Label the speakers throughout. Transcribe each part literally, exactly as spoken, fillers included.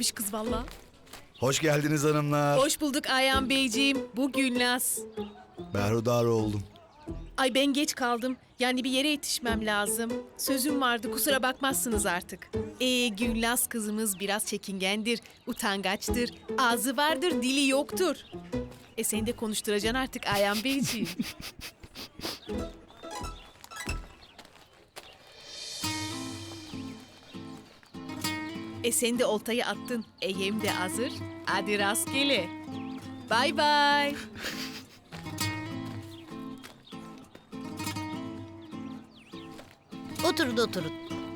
Speaker 1: Özlemiş kız valla.
Speaker 2: Hoş geldiniz hanımlar.
Speaker 1: Hoş bulduk Ayhan Beyciğim. Bu Gülnaz.
Speaker 2: Berhudar oldum.
Speaker 1: Ay ben geç kaldım. Yani bir yere yetişmem lazım. Sözüm vardı, kusura bakmazsınız artık. Ee, Gülnaz kızımız biraz çekingendir, utangaçtır. Ağzı vardır, dili yoktur. E seni de konuşturacaksın artık Ayhan Beyciğim. E sen de oltayı attın. E yem de hazır. Hadi rastgele. Bay bay.
Speaker 3: Oturun oturun.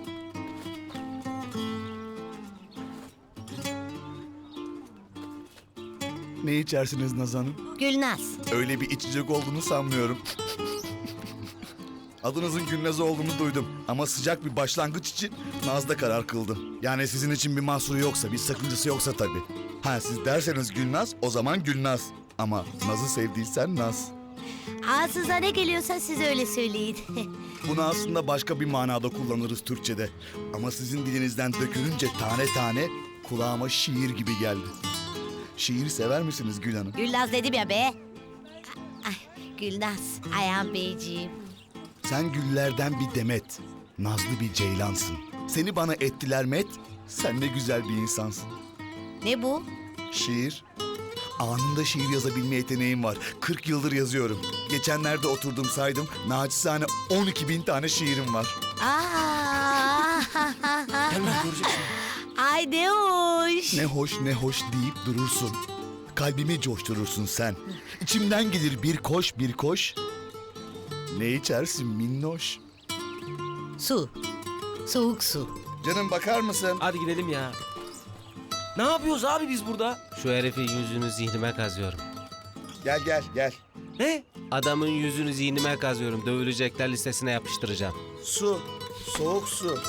Speaker 2: Ne içersiniz Naz Hanım?
Speaker 3: Gülnaz.
Speaker 2: Öyle bir içecek olduğunu sanmıyorum. Adınızın Gülnaz olduğunu duydum. Ama sıcak bir başlangıç için Naz'da karar kıldım. Yani sizin için bir mahsuru yoksa, bir sakıncası yoksa tabii. Ha siz derseniz Gülnaz, o zaman Gülnaz. Ama Naz'ı sevdiysen Naz.
Speaker 3: Ağzınıza ne geliyorsa siz öyle söyleyin.
Speaker 2: Bunu aslında başka bir manada kullanırız Türkçe'de. Ama sizin dilinizden dökülünce tane tane kulağıma şiir gibi geldi. Şiir sever misiniz Gül Hanım?
Speaker 3: Gülnaz dedim ya be. Ay, Gülnaz, Ayhan Beyciğim.
Speaker 2: Sen güllerden bir demet, nazlı bir ceylansın. Seni bana ettiler met, sen ne güzel bir insansın.
Speaker 3: Ne bu?
Speaker 2: Şiir. Anında şiir yazabilme yeteneğim var. kırk yıldır yazıyorum. Geçenlerde oturdum saydım. Naçizane on iki bin tane şiirim var.
Speaker 3: Aa!
Speaker 4: Hemen göreceksin.
Speaker 3: Ay ne hoş.
Speaker 2: Ne hoş ne hoş deyip durursun. Kalbimi coşturursun sen. İçimden gelir bir koş bir koş. Ne içersin minnoş?
Speaker 3: Su. Soğuk su.
Speaker 2: Canım bakar mısın?
Speaker 4: Hadi gidelim ya. Ne yapıyoruz abi biz burada?
Speaker 5: Şu herifin yüzünü zihnime kazıyorum.
Speaker 2: Gel gel gel.
Speaker 4: Ne?
Speaker 5: Adamın yüzünü zihnime kazıyorum. Dövülecekler listesine yapıştıracağım.
Speaker 2: Su. Soğuk su.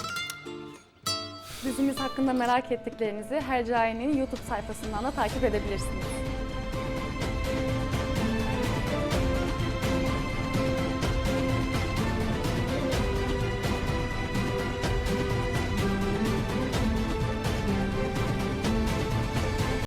Speaker 6: Dizimiz hakkında merak ettiklerinizi Hercai'nin YouTube sayfasından da takip edebilirsiniz.